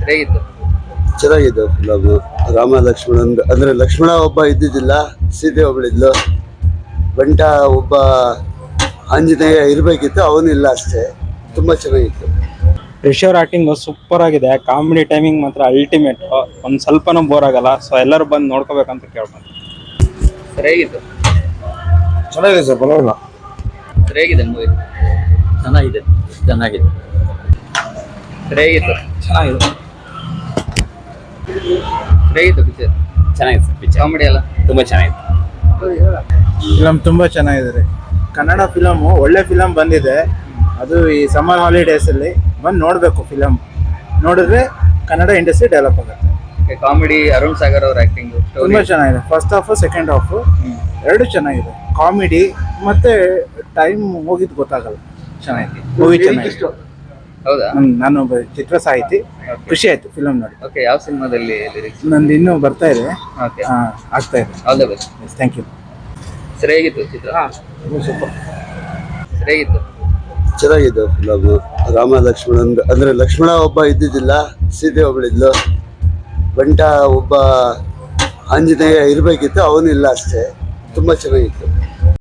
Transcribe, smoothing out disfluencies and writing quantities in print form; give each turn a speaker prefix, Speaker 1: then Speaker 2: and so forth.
Speaker 1: ಹೇಗಿತ್ತು?
Speaker 2: ಚೆನ್ನಾಗಿದೆ ಫಿಲಮ್. ರಾಮ ಲಕ್ಷ್ಮಣನ್ ಅಂದ್ರೆ ಲಕ್ಷ್ಮಣ ಒಬ್ಬ ಇದ್ದಿದ್ದಿಲ್ಲ, ಸೀತೆ ಒಬ್ಬಳಿದ್ಲು. ಬಂಟ ಒಬ್ಬ ಆಂಜನೇಯ ಇರಬೇಕಿತ್ತು, ಅವನಿಲ್ಲ ಅಷ್ಟೇ. ತುಂಬ ಚೆನ್ನಾಗಿತ್ತು.
Speaker 3: ರಿಷರ್ ಆಕ್ಟಿಂಗ್ ಸೂಪರ್ ಆಗಿದೆ. ಕಾಮಿಡಿ ಟೈಮಿಂಗ್ ಮಾತ್ರ ಅಲ್ಟಿಮೇಟ್. ಒಂದು ಸ್ವಲ್ಪನೂ ಬೋರ್ ಆಗಲ್ಲ. ಸೊ ಎಲ್ಲರೂ ಬಂದು ನೋಡ್ಕೋಬೇಕಂತ ಕೇಳ್ಬೋದು.
Speaker 1: ಹೇಗಿತ್ತು?
Speaker 2: ಚೆನ್ನಾಗಿದೆ ಸರ್, ಪರವಾಗಿಲ್ಲ.
Speaker 1: ಹೇಗಿದೆ ಮೂವಿ?
Speaker 4: ಚೆನ್ನಾಗಿದೆ.
Speaker 1: ಹೇಗಿತ್ತು?
Speaker 4: ಚೆನ್ನಾಗಿದೆ.
Speaker 1: ಹೇಗಿತ್ತು ಪಿಕ್ಚರ್?
Speaker 4: ಚೆನ್ನಾಗಿದೆ ಸರ್ ಪಿಕ್ಚರ್.
Speaker 1: ಕಾಮಿಡಿ ಎಲ್ಲ
Speaker 4: ತುಂಬ ಚೆನ್ನಾಗಿದೆ.
Speaker 5: ಫಿಲಮ್ ತುಂಬ ಚೆನ್ನಾಗಿದೆ. ಕನ್ನಡ ಫಿಲಮು ಒಳ್ಳೆ ಫಿಲಮ್ ಬಂದಿದೆ. ಅದು ಈ ಸಮ್ಮರ್ ಹಾಲಿಡೇಸಲ್ಲಿ ಬಂದು ನೋಡಬೇಕು. ಫಿಲಮ್ ನೋಡಿದ್ರೆ ಕನ್ನಡ ಇಂಡಸ್ಟ್ರಿ ಡೆವಲಪ್ ಆಗುತ್ತೆ.
Speaker 1: ಕಾಮಿಡಿ, ಅರುಣ್ ಸಾಗರ್ ಅವ್ರ ಆಕ್ಟಿಂಗ್
Speaker 5: ತುಂಬ ಚೆನ್ನಾಗಿದೆ. ಫಸ್ಟ್ ಹಾಫು ಸೆಕೆಂಡ್ ಹಾಫು ಎರಡು ಚೆನ್ನಾಗಿದೆ. ಕಾಮಿಡಿ ಮತ್ತು ಟೈಮ್ ಹೋಗಿದ್ದು ಗೊತ್ತಾಗಲ್ಲ. ಚೆನ್ನಾಗಿದೆ ಮೂವಿ, ಚೆನ್ನಾಗಿದೆ.
Speaker 1: ಹೌದಾ?
Speaker 5: ನಾನು ಒಬ್ಬ ಚಿತ್ರ ಸಾಹಿತಿ. ಖುಷಿ ಆಯಿತು ಫಿಲಮ್ ನೋಡಿ.
Speaker 1: ಓಕೆ, ಯಾವ ಸಿನಿಮಾದಲ್ಲಿ ಲಿರಿಕ್ಸ್?
Speaker 5: ನಂದು ಇನ್ನೂ ಬರ್ತಾ ಇದೆ,
Speaker 1: ಓಕೆ,
Speaker 5: ಆಗ್ತಾ ಇದೆ.
Speaker 1: All the best.
Speaker 5: Thank you.
Speaker 1: Sir ಹೇಗಿತ್ತು ಚಿತ್ರ?
Speaker 5: ಸೂಪರ್.
Speaker 1: ಸರ್ ಹೇಗಿತ್ತು?
Speaker 2: ಚೆನ್ನಾಗಿದೆ ಫಿಲಮ್. ರಾಮ ಲಕ್ಷ್ಮಣನ್ ಅಂದ್ರೆ ಲಕ್ಷ್ಮಣ ಒಬ್ಬ ಇದ್ದಿದ್ದಿಲ್ಲ, ಸೀತೆ ಒಬ್ಬಳಿದ್ಲು. ಬಂಟ ಒಬ್ಬ ಆಂಜನೇಯ ಇರಬೇಕಿತ್ತು, ಅವನಿಲ್ಲ ಅಷ್ಟೇ. ತುಂಬ ಚೆನ್ನಾಗಿತ್ತು.